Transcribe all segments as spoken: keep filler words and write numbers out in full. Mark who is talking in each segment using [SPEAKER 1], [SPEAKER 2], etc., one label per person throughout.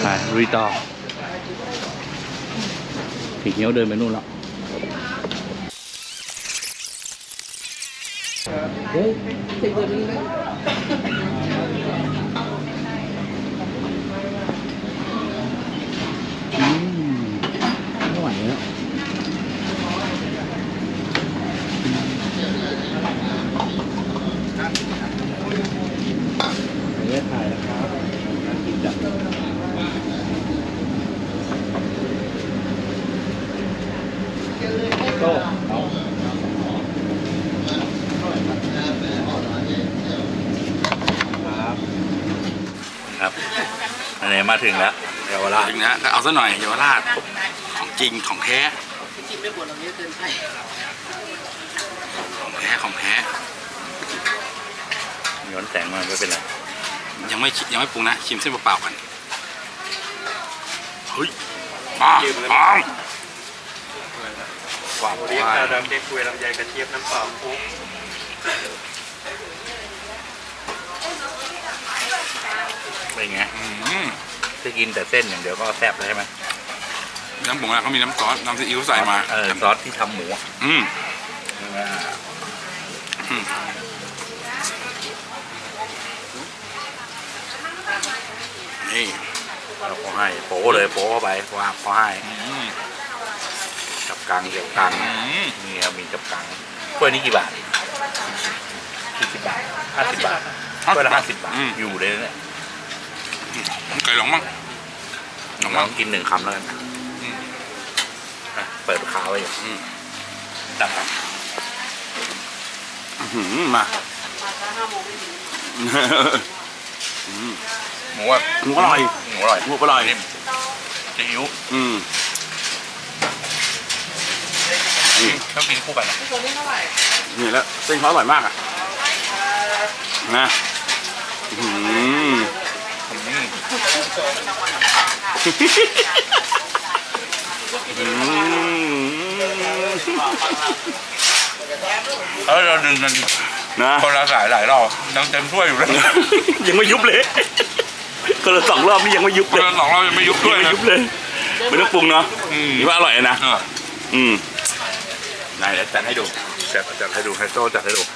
[SPEAKER 1] ลุยต่อผีเงี้ยวเดินไปนู่นแล้วเฮ้ยติดตัวนี้นะอืมไม่ไหวแล้วเนื้อถ่ายนะครับน่ากินจังโต้เอาครับอันนี้มาถึงแล้วเยาวราช
[SPEAKER 2] ถึงนะเอาซะหน่อยเยาวราชของจริงของแท้
[SPEAKER 3] กินไม่หมดเราเยอะเกินไป
[SPEAKER 2] ของแท้ของแท้
[SPEAKER 1] ย้อนแสงมาไม่เป็นไร
[SPEAKER 2] ยังไม่ยังไม่ปรุงนะชิมเส้นเปล่าๆกันเฮ้ยป้าป้าหวาน
[SPEAKER 4] เรียกชาดำเด็กคุยลำไยกระเทียมน้ำเปล่าคุก
[SPEAKER 1] เป็นไง
[SPEAKER 2] อืม
[SPEAKER 1] จะกินแต่เส้นอย่างเดียวก็แซ่บแล้วใช่ไหม
[SPEAKER 2] น้ำปรุงนะเขามีน้ำซอสน้ำซีอิ๊วใส่มา
[SPEAKER 1] เออซอสที่ทำหมูอ่ะ
[SPEAKER 2] อืม
[SPEAKER 1] อืม
[SPEAKER 2] นี่
[SPEAKER 1] เราก็ให้โป๊เลยโป๊เข้าไปวางเขาให้
[SPEAKER 2] อืม
[SPEAKER 1] จับกังเกี่ยวกัง
[SPEAKER 2] อืม
[SPEAKER 1] นี่ครับมีจับกังถ้วยนี้กี่บาทกี่สิบบาทห้าสิบบาทถ้วยละห้าสิบบาทอยู่เลยเนี่ย
[SPEAKER 2] ไก่หลงมั้งหลง
[SPEAKER 1] ล
[SPEAKER 2] มั้
[SPEAKER 1] อง งกินหนึ่งคำแล้วกันอ่ะเปิดขาไว้อยู่
[SPEAKER 2] อืม
[SPEAKER 1] ดับครับ
[SPEAKER 2] อื้อหือมา อืม
[SPEAKER 1] หมูอ่ะ
[SPEAKER 2] หมูอร่อย
[SPEAKER 1] หมูอร่อย
[SPEAKER 2] หมูอร่อย
[SPEAKER 1] นิ่มซีอิ๊ว
[SPEAKER 2] อืมนี่
[SPEAKER 1] ต้องกินคู่กันนะ
[SPEAKER 3] ตัวนี้เท่าไหร่
[SPEAKER 2] นี่แล้วเส้นเขาอร่อยมากอ่ะนะอืม
[SPEAKER 1] อืม
[SPEAKER 2] อืม
[SPEAKER 1] เออเราดึงกัน
[SPEAKER 2] นะ
[SPEAKER 1] คนละสายหลายรอบยังเต็มถ้วยอยู่เลย
[SPEAKER 2] ยังไม่ยุบเลยคนละสองรอบนี่ยังไม่ยุบ
[SPEAKER 1] ค
[SPEAKER 2] เล
[SPEAKER 1] น
[SPEAKER 2] ย
[SPEAKER 1] ละสองรอบยังไม่ยุบด้วย
[SPEAKER 2] ไม่
[SPEAKER 1] นะ
[SPEAKER 2] ยุบเลยไม่ต้องปรุงเนาะ
[SPEAKER 1] อืม
[SPEAKER 2] นี่ว่าอร่อยนะ
[SPEAKER 1] เออ
[SPEAKER 2] อืมได้แล้วจัดให้ดู
[SPEAKER 1] จัดจัดให้ดูไฮโซจัดให้ดู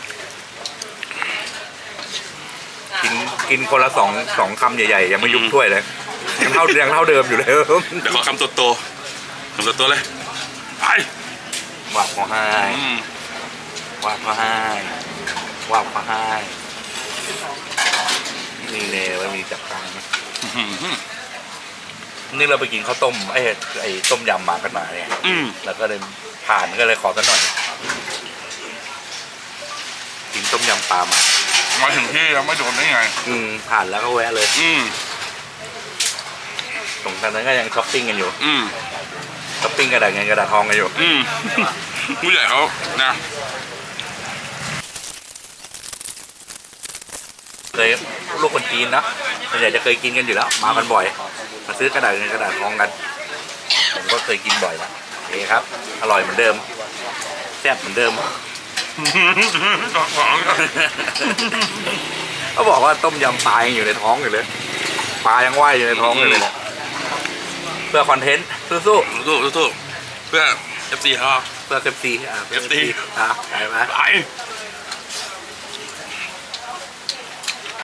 [SPEAKER 1] กินกินคนละสองสองคำใหญ่ๆยังไม่ยุบถ้วยเลยยังเท่ายังเท่าเดิมอยู่เลย
[SPEAKER 2] เดี๋ยวขอคำโตๆคำโตๆเลยไป
[SPEAKER 1] ว่าขอให้
[SPEAKER 2] อืม
[SPEAKER 1] ว่าขอให้ว่าขอให้นี่เลยมันมีจับกังนะ
[SPEAKER 2] อื้อหือ
[SPEAKER 1] นี่เราไปกินข้าวต้มไอ้ไอ้ต้มยำมากันมาเนี่ย
[SPEAKER 2] อืม
[SPEAKER 1] แล้วก็เลยผ่านก็เลยขอกันหน่อย กินต้มยำปลามา
[SPEAKER 2] มาถึงที่แล้วไม่โดนได้ไง
[SPEAKER 1] อืมผ่านแล้วก็แวะเลย
[SPEAKER 2] อืม
[SPEAKER 1] ตรงนั้นก็ยังช้อปปิ้งกันอยู่
[SPEAKER 2] อืม
[SPEAKER 1] ช้อปปิ้งกระดาษเงินกระดาษทองกันอยู่
[SPEAKER 2] อืมผู้ใหญ่เขานะ
[SPEAKER 1] เคยลูกคนจีนนะส่วนใหญ่จะเคยกินกันอยู่แล้ว มากันบ่อย มาซื้อกระดาษเงินกระดาษทองกัน ผมก็เคยกินบ่อยแล้วโอเคครับ อร่อยเหมือนเดิมแซ่บเหมือนเดิม เขาบอกว่าต้มยำปลายังอยู่ในท้องอยู่เลยปลายังว่ายอยู่ในท้องอยู่เลยเนี่ยเพื่อคอนเทนต์สู้
[SPEAKER 2] สู้สู้สู้เพื่อ เอฟ ซี เขา
[SPEAKER 1] ๆเพื่อเซฟซีอ่า
[SPEAKER 2] เอฟซี
[SPEAKER 1] อ่ะไปไหม
[SPEAKER 2] ไป